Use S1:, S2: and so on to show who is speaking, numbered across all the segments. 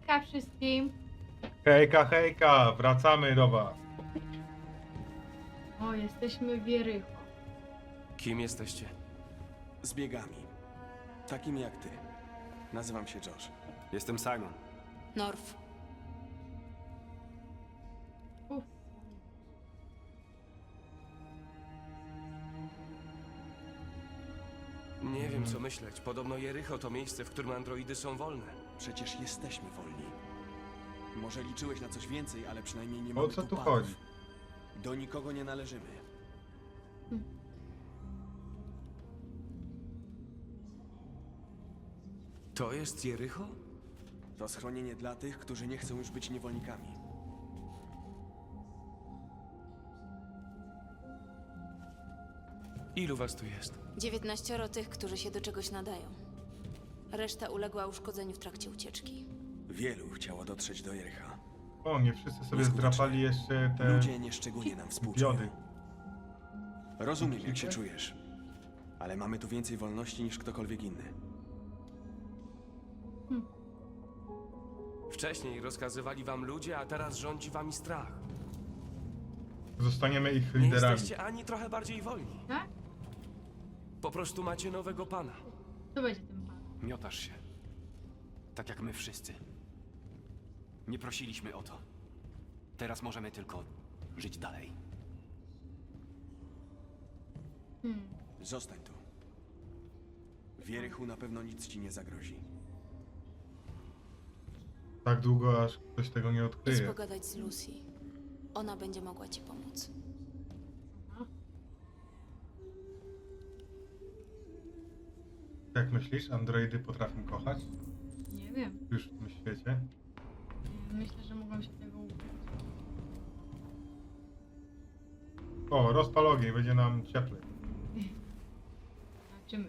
S1: Hejka wszystkim.
S2: Hejka, hejka, wracamy do was.
S1: O, jesteśmy w Jericho.
S3: Kim jesteście?
S4: Zbiegami. Takimi jak ty. Nazywam się Josh.
S3: Jestem Simon.
S5: Norf.
S1: Uf.
S3: Nie wiem co myśleć. Podobno Jericho to miejsce, w którym androidy są wolne.
S4: Przecież jesteśmy wolni. Może liczyłeś na coś więcej, ale przynajmniej nie
S2: O
S4: mamy
S2: co tu
S4: panów.
S2: chodzi?
S4: Do nikogo nie należymy.
S3: To jest Jericho?
S4: To schronienie dla tych, którzy nie chcą już być niewolnikami.
S3: Ilu was tu jest?
S5: 19 tych, którzy się do czegoś nadają. Reszta uległa uszkodzeniu w trakcie ucieczki.
S4: Wielu chciało dotrzeć do Jericha.
S2: O, nie wszyscy sobie
S4: Nieskutecznie.
S2: zdrapali jeszcze te
S4: Ludzie nieszczególnie nam współczują.
S2: diody.
S4: Rozumiem, jak się czujesz. Ale mamy tu więcej wolności niż ktokolwiek inny.
S3: Wcześniej rozkazywali wam ludzie, a teraz rządzi wami strach.
S2: Zostaniemy ich
S3: Nie
S2: liderami.
S3: jesteście ani trochę bardziej wolni.
S1: Tak?
S3: Po prostu macie nowego pana.
S1: To będzie ten pan.
S6: Miotasz się. Tak jak my wszyscy. Nie prosiliśmy o to. Teraz możemy tylko żyć dalej.
S4: Zostań tu. W Jerichu na pewno nic ci nie zagrozi.
S2: Tak długo, aż ktoś tego nie
S5: Idź
S2: odkryje.
S5: pogadać z Lucy. Ona będzie mogła ci pomóc.
S2: Jak myślisz, androidy potrafią kochać?
S1: Nie wiem.
S2: Już w tym świecie?
S1: Myślę, że mogą się tego uczyć.
S2: O, rozpal ogień, będzie nam cieplej.
S1: Zobaczymy.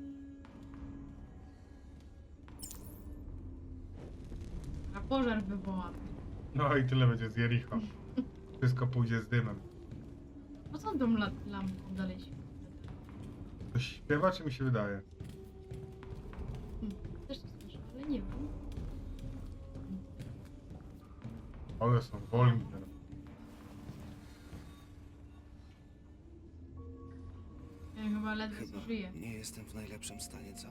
S1: A pożar wywołamy.
S2: No i tyle będzie z Jericho. Wszystko pójdzie z dymem.
S1: Po co tą lampką dalej świeci?
S2: Ktoś śpiewa, czy mi się wydaje?
S1: Też to słyszę, ale nie wiem.
S2: One są wolni teraz.
S1: Ja chyba ledwo żyję.
S7: nie jestem w najlepszym stanie, co?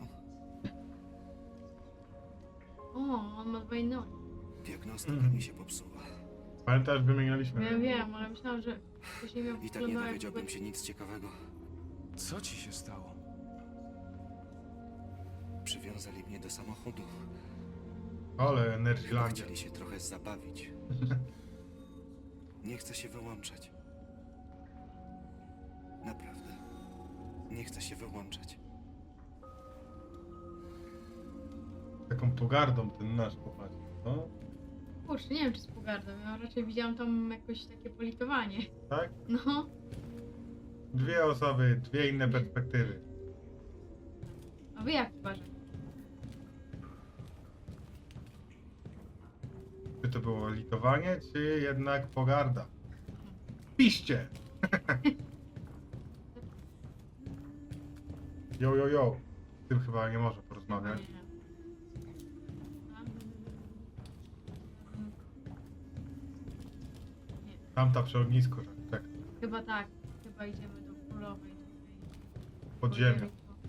S1: O, on ma dwa nogi.
S7: Diagnostyka mi się popsuła.
S2: Pamiętasz, wymienialiśmy?
S1: Ja wiem, ale myślałam, że wcześniej miał
S7: I tak nie
S1: wyglądał jak
S7: dowiedziałbym się nic ciekawego.
S3: Co ci się stało?
S7: Przywiązali mnie do samochodu.
S2: Ale
S7: Chyba
S2: Energylandia.
S7: chcieli się trochę zabawić. Nie chcę się wyłączać. Naprawdę. Nie chcę się wyłączać.
S2: Taką pogardą ten nasz popatrz. No,
S1: Kurczę, nie wiem czy z pogardą, ja raczej widziałam tam jakoś takie politowanie.
S2: tak?
S1: No,
S2: Dwie osoby, dwie inne perspektywy.
S1: a wy jak uważacie?
S2: Czy to było litowanie, czy jednak pogarda? Piszcie! Jo, jo, jo. Z tym chyba nie może porozmawiać.
S1: Nie. Nie,
S2: Tamta przy ognisku, tak,
S1: chyba tak. Chyba idziemy do królowej tutaj.
S2: pod ziemią.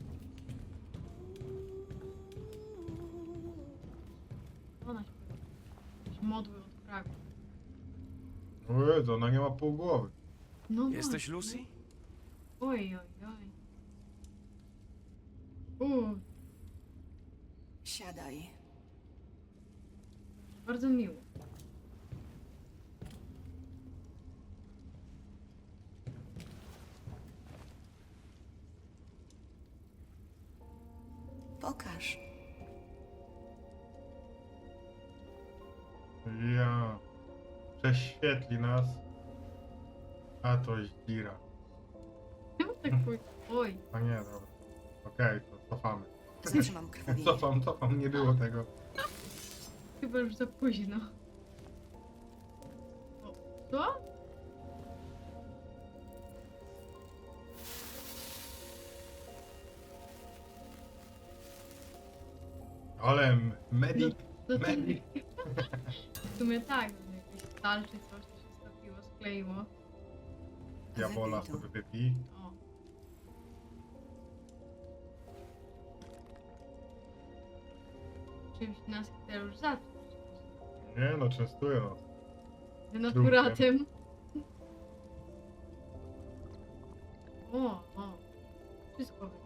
S1: Ona śpiewa. Jakieś modły od Pragu.
S2: O Jezu, ona nie ma pół głowy.
S1: No
S3: Jesteś
S1: właśnie.
S3: Lucy?
S1: Oj, oj, oj.
S5: Siadaj.
S1: Bardzo miło.
S5: Pokaż.
S2: Ja. Prześwietli nas. A to Zdzira.
S1: Czemu tak pójść? Oj,
S2: A nie, dobra. Okej, to cofamy.
S5: Zatrzymam krwawienie.
S2: Cofam, nie było tego.
S1: chyba już za późno. O, co?
S2: Ale medic
S1: No to
S2: Medic.
S1: w sumie tak, jakieś stal czy coś, to się stopiło, skleiło.
S2: Diabola
S7: Wypij to.
S2: sobie wypij.
S1: O. Czymś nas chce już zatruć.
S2: Nie no, częstuję nas.
S1: Denaturatem. O. Wszystko wypij.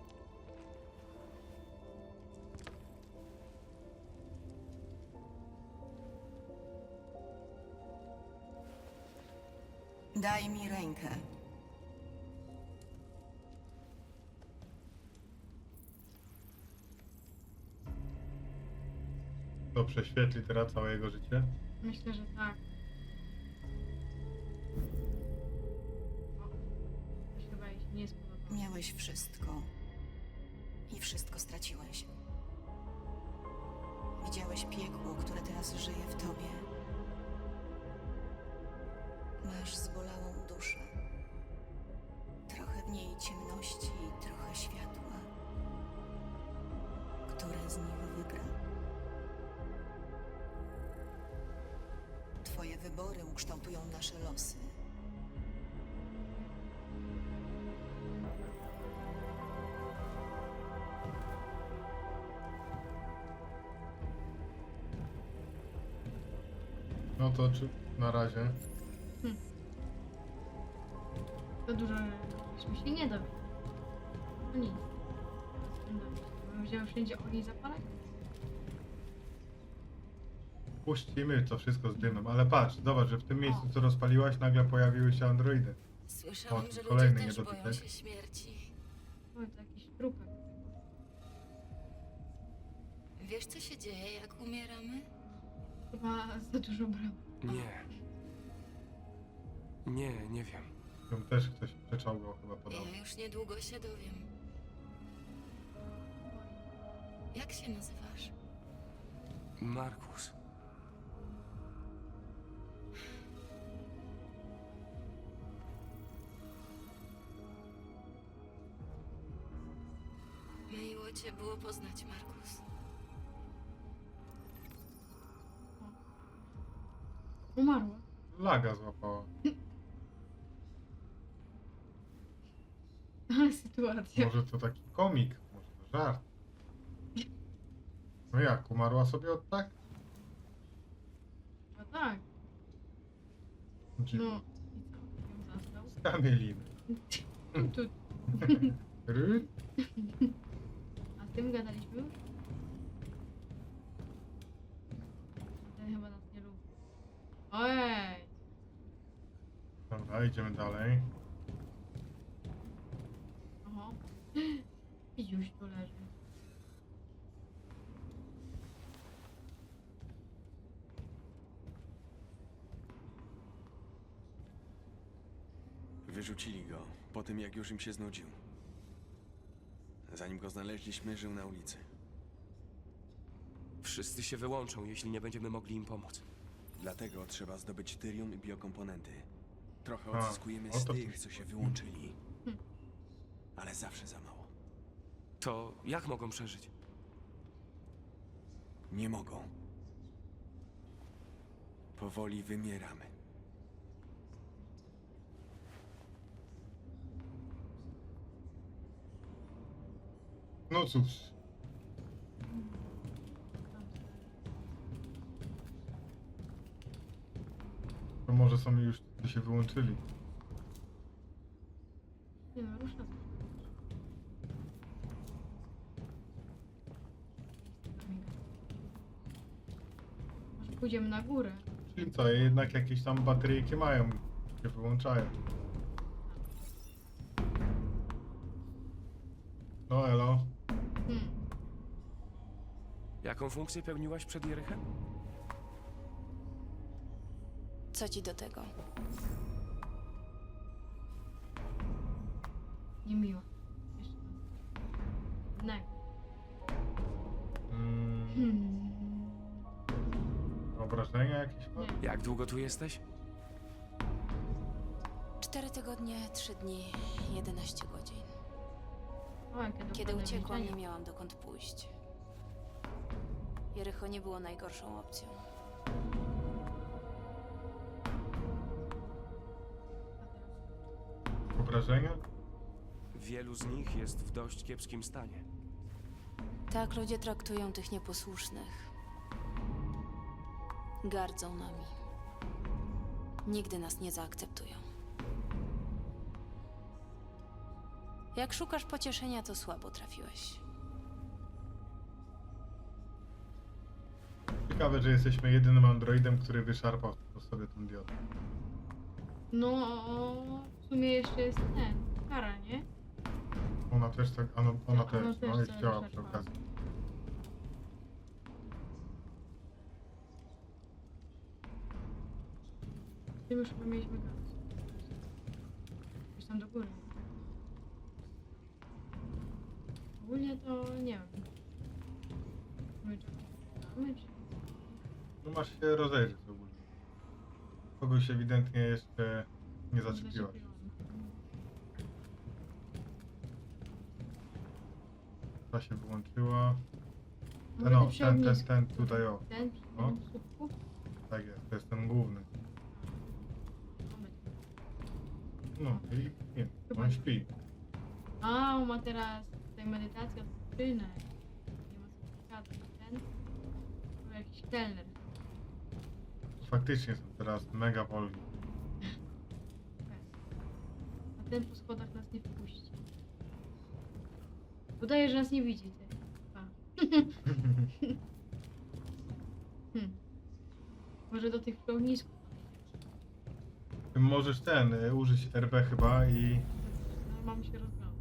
S8: Daj mi rękę.
S2: To prześwietli teraz całe jego życie.
S1: Myślę, że tak. O, to chyba jej się nie spodobało.
S8: Miałeś wszystko. I wszystko straciłeś. Widziałeś piekło, które teraz żyje w tobie. Masz zbolałą duszę. Trochę w niej ciemności i trochę światła. Które z nich wygra? Twoje wybory ukształtują nasze losy.
S2: No to czy na razie.
S1: To dużo byśmy się nie dowiedzieli. No nic. Będziemy wszędzie ogniu zapalać?
S2: Puścimy to wszystko z dymem, ale patrz, zobacz, że w tym miejscu, co rozpaliłaś, nagle pojawiły się androidy.
S5: Słyszałam,
S2: O,
S5: że
S2: kolejny
S5: ludzie też
S2: niedotytek.
S5: boją się śmierci.
S1: O, to jakiś trupek.
S5: Wiesz, co się dzieje, jak umieramy?
S1: Chyba za dużo brał.
S3: Nie wiem.
S2: Tam też ktoś przeczołgał chyba podobno.
S5: Ja już niedługo się dowiem. Jak się nazywasz?
S3: Markus.
S5: Miło cię było poznać, Markus.
S1: Umarła.
S2: Laga złapała.
S1: Ale sytuacja.
S2: Może to taki komik, może to żart. No jak, umarła sobie od tak?
S1: No tak.
S2: Dziwne.
S1: No. I co? Ją zastał?
S2: Kamieliny.
S1: Tu.
S2: Ry?
S1: A z tym gadaliśmy już? Ten chyba nas nie lubi. Ojej!
S2: Dobra, idziemy dalej.
S1: Oho. Pidziuś tu leży.
S4: Wyrzucili go po tym, jak już im się znudził. Zanim go znaleźliśmy, żył na ulicy.
S3: Wszyscy się wyłączą, jeśli nie będziemy mogli im pomóc.
S4: Dlatego trzeba zdobyć tyrium i biokomponenty. Trochę
S2: A,
S4: odzyskujemy
S2: o
S4: z
S2: to
S4: tych,
S2: tu-
S4: co się wyłączyli. Ale zawsze za mało.
S3: To jak mogą przeżyć?
S4: Nie mogą. Powoli wymieramy.
S2: No cóż. To może są już się wyłączyli.
S1: Nie no, rusza. Może pójdziemy na górę.
S2: Czyli co, jednak jakieś tam bateryjki mają, się wyłączają. No elo.
S3: Jaką funkcję pełniłaś przed Jerychem?
S5: Co ci do tego?
S1: Niemiło. Jeszcze raz. Jednego.
S2: Mm, obrażenia jakieś?
S1: Nie.
S3: Jak długo tu jesteś?
S5: 4 tygodnie, 3 dni, 11 godzin.
S1: O, jakie
S5: Kiedy
S1: dokładne
S5: uciekłam, nie
S1: liczenie.
S5: miałam dokąd pójść. Jericho nie było najgorszą opcją.
S2: Obrażenia?
S3: Wielu z nich jest w dość kiepskim stanie.
S5: Tak ludzie traktują tych nieposłusznych. Gardzą nami. Nigdy nas nie zaakceptują. Jak szukasz pocieszenia, to słabo trafiłeś.
S2: Ciekawe, że jesteśmy jedynym androidem, który wyszarpał sobie tą diodę.
S1: No, w sumie jeszcze jest ten, Kara, nie?
S2: Ona też tak, ona
S1: Ona
S2: też,
S1: też
S2: no i
S1: coś
S2: chciała przy
S1: wyszarpała.
S2: okazji.
S1: Tym już chyba mieliśmy gadać. Gdzieś tam do góry. Ogólnie to nie wiem. My czekamy, czy...
S2: No masz się rozejrzeć ogólnie. Kogoś ewidentnie jeszcze nie zaczepiłaś. Ta się wyłączyła.
S1: Może
S2: No,
S1: ty przy ognisku.
S2: ten tutaj o.
S1: Ten przy
S2: No.
S1: tym słupku?
S2: Tak jest, to jest ten główny.
S1: Moment.
S2: No i nie,
S1: Chyba
S2: on
S1: nie.
S2: śpi.
S1: A, on ma teraz tutaj medytację od skrzynek. Nie ma certyfikatu. Ten? To jakiś kelner.
S2: Faktycznie są teraz mega wolni.
S1: A ten po schodach nas nie wpuści. Udaje, że nas nie widzi, ty. A. Może do tych pełnisków.
S2: Możesz użyć RB chyba i...
S1: No, mam się rozglądać.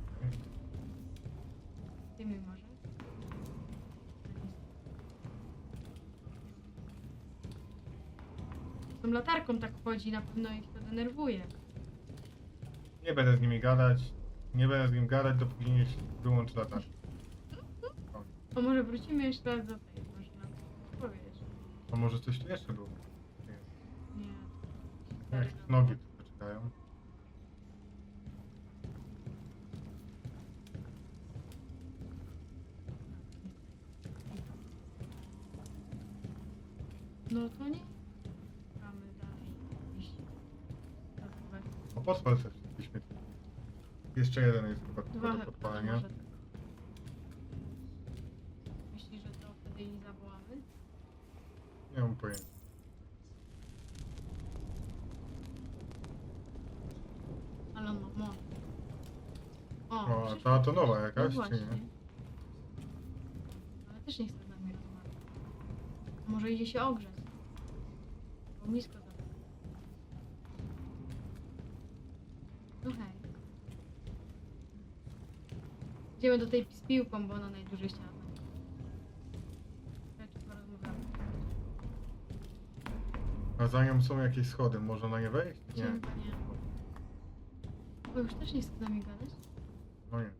S1: Ty mi może? Z tą latarką tak chodzi, na pewno ich to denerwuje.
S2: Nie będę z nimi gadać. Nie będę z nim gadać, dopóki nie wyłączy latarkę.
S1: A może wrócimy jeszcze raz do tej, może nam powiesz.
S2: A może coś tu jeszcze było?
S1: Nie.
S2: Jak nogi tylko czekają.
S1: No to nie. Mamy dalej iść. Zachować.
S2: O, podpal te wszystkie śmieci. Jeszcze jeden jest chyba tylko do
S1: Dwa
S2: podpalenia.
S1: może. Myślisz, że to wtedy ich zawołamy?
S2: Nie mam pojęcia.
S1: Ale on ma moc.
S2: O, a
S1: przecież-
S2: ta to nowa
S1: no
S2: jakaś, czy
S1: właśnie.
S2: nie?
S1: Ale też nie chce z nami rozmawiać. A może idzie się ogrzeć? Bo blisko tam. No hej. Idziemy do tej z piłką, bo ona najdłużej chciała. Tak, porozmawiamy.
S2: A za nią są jakieś schody, można na nie wejść? Nie.
S1: Chyba nie. Bo już też nie chce z nami gadać.
S2: No nie.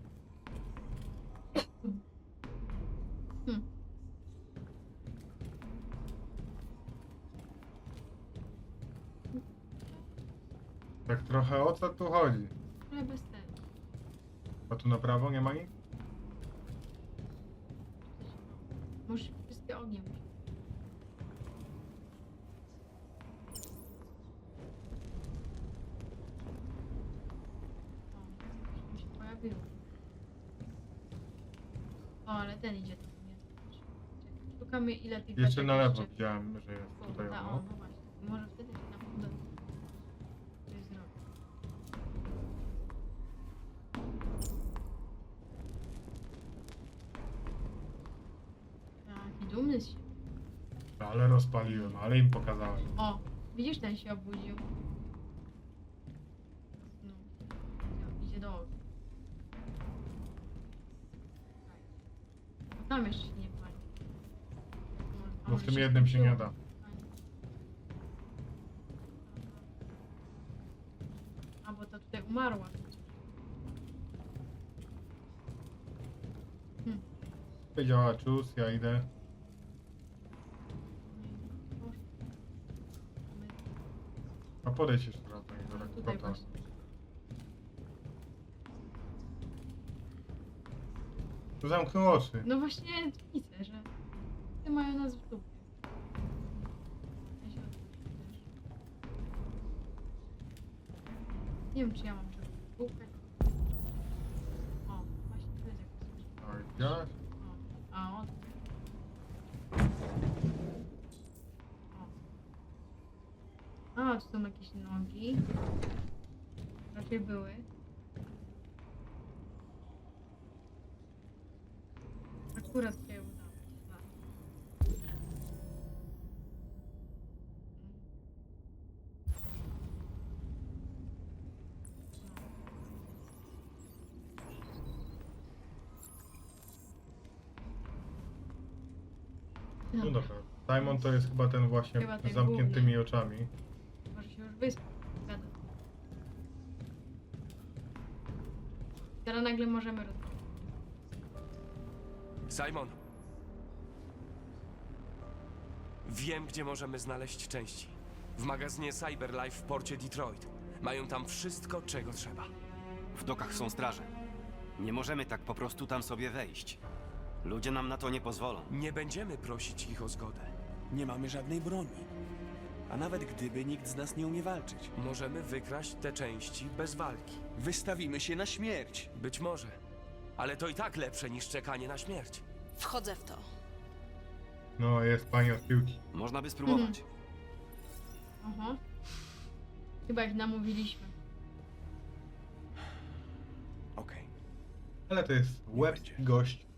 S2: Tak trochę o co tu chodzi?
S1: Ale bez tego.
S2: A tu na prawo nie ma nic?
S1: Może wszystkie ognie musi. O, mi się pojawiło. O, ale ten idzie tam, nie? Czekaj, szukamy ile tych
S2: Jeszcze
S1: beczek
S2: na lewo
S1: jeszcze-
S2: widziałem, że jest
S1: O,
S2: tutaj
S1: ta,
S2: ono.
S1: o, no właśnie. Może wtedy się tam uda coś zrobić. Taki dumny z siebie.
S2: Ale rozpaliłem, ale im pokazałem.
S1: O, widzisz, ten się obudził. No, idzie do ognia. A tam jeszcze się nie pali. A
S2: Bo w
S1: może
S2: tym jednym się nie
S1: skończyło?
S2: da.
S1: A bo to tutaj umarła przecież.
S2: Powiedziała czus, ja idę. A podejdź jeszcze raz do niego, tak
S1: Tutaj
S2: kota.
S1: właśnie.
S2: Zamknął oczy.
S1: No właśnie widzę, że mają nas w dupie. Ja się odwrócę też. Nie wiem, czy ja mam czego szukać. O, właśnie to jest jakaś rzecz.
S2: A widziałaś?
S1: O, a on. O. A, tu są jakieś nogi. Raczej były. Akurat się udało. Tak.
S2: No dobra. Simon to jest chyba ten właśnie
S1: Chyba ten
S2: z zamkniętymi
S1: główny.
S2: oczami.
S1: Może się już wyspał. Gada. Teraz nagle możemy rozmawiać.
S3: Simon! Wiem, gdzie możemy znaleźć części. W magazynie Cyberlife w porcie Detroit. Mają tam wszystko, czego trzeba.
S6: W dokach są straże. Nie możemy tak po prostu tam sobie wejść. Ludzie nam na to nie pozwolą.
S3: Nie będziemy prosić ich o zgodę.
S4: Nie mamy żadnej broni. A nawet gdyby, nikt z nas nie umie walczyć.
S3: Możemy wykraść te części bez walki.
S4: Wystawimy się na śmierć.
S3: Być może. Ale to i tak lepsze niż czekanie na śmierć.
S5: Wchodzę w to.
S2: No, jest pani od piłki.
S6: Można by spróbować.
S1: Aha. Chyba ich namówiliśmy.
S4: Okej.
S2: Ale to jest łeb
S4: będzie.
S2: gość.